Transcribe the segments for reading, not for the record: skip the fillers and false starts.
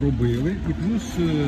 робили, і плюс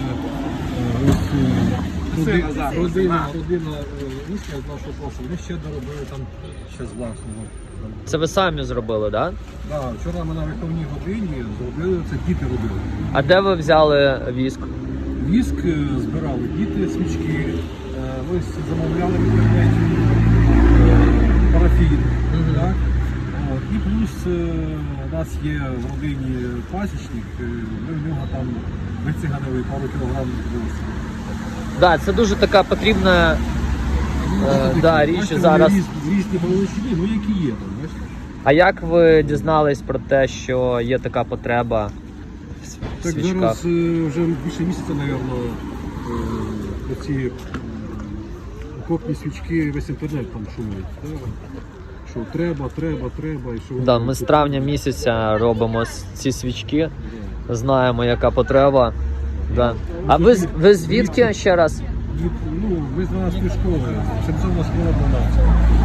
родина місця з нашого профілю, вони ще доробили там ще з власного. Це ви самі зробили, так? Да? Так, вчора ми на виховній годині зробили, це діти робили. А де ви взяли віск? Віск збирали діти, свічки, ось замовляли в інтернеті парафін. Так? От. І плюс у нас є в родині пасічник, ми в нього там вициганили пару кілограм волосся. Так, це дуже така потрібна річ зараз. Різні величини, ну які є там, бачите? А як ви дізнались про те, що є така потреба в Так свічках? зараз вже більше місяця, мабуть, ці окопні свічки, весь інтернет там шумить. Що треба. І що Да, ми з травня місяця робимо ці свічки, знаємо, яка потреба. Да. А ви звідки ще раз? Ну, ми з 12-ї школи, Сенцовна школа 12.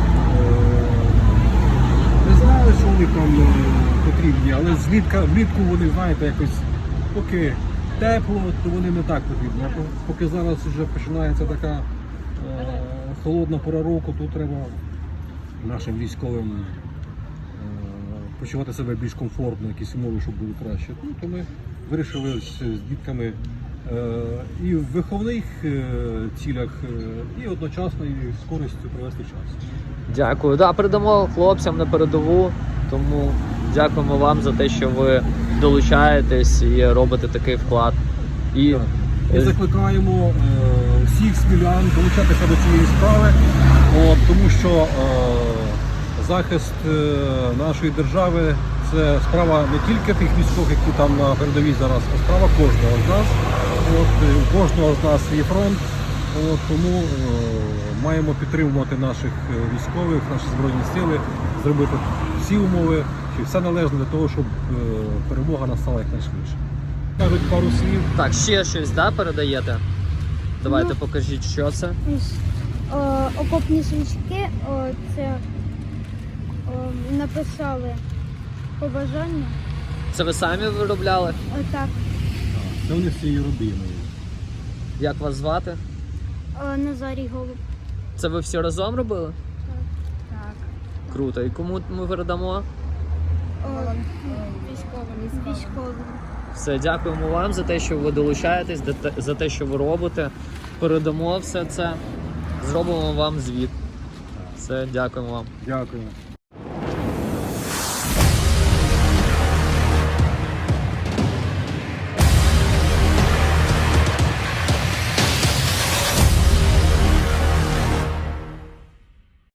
Не знали, що вони там потрібні, але влітку вони, знаєте, якось поки тепло, то вони не так потрібні. А поки зараз вже починається така холодна пора року, то треба нашим військовим почувати себе більш комфортно, якісь умови, щоб було краще. Ну, то ми вирішили з дітками і в виховних цілях, і одночасно і з користю провести час. Дякую. Да, передамо хлопцям на передову, тому дякуємо вам за те, що ви долучаєтесь і робите такий вклад. І закликаємо всіх смілян долучатися до цієї справи, тому що захист нашої держави – це справа не тільки тих військових, які там на передовій зараз, а справа кожного з нас. У кожного з нас є фронт, тому маємо підтримувати наших військових, наші Збройні Сили, зробити всі умови, все належне для того, щоб перемога настала якнайшвидше. Кажуть пару слів. Так, ще щось, да, передаєте? Давайте покажіть, що це. Окопні свічки, це написали побажання. Це ви самі виробляли? Так. Це вони з цією родиною. Як вас звати? Назарій Голуб. Це ви всі разом робили? Так. Круто. І кому ми передамо? Військовим. Все, дякуємо вам за те, що ви долучаєтесь, за те, що ви робите. Передамо все це, зробимо вам звіт. Все, дякуємо вам. Дякую.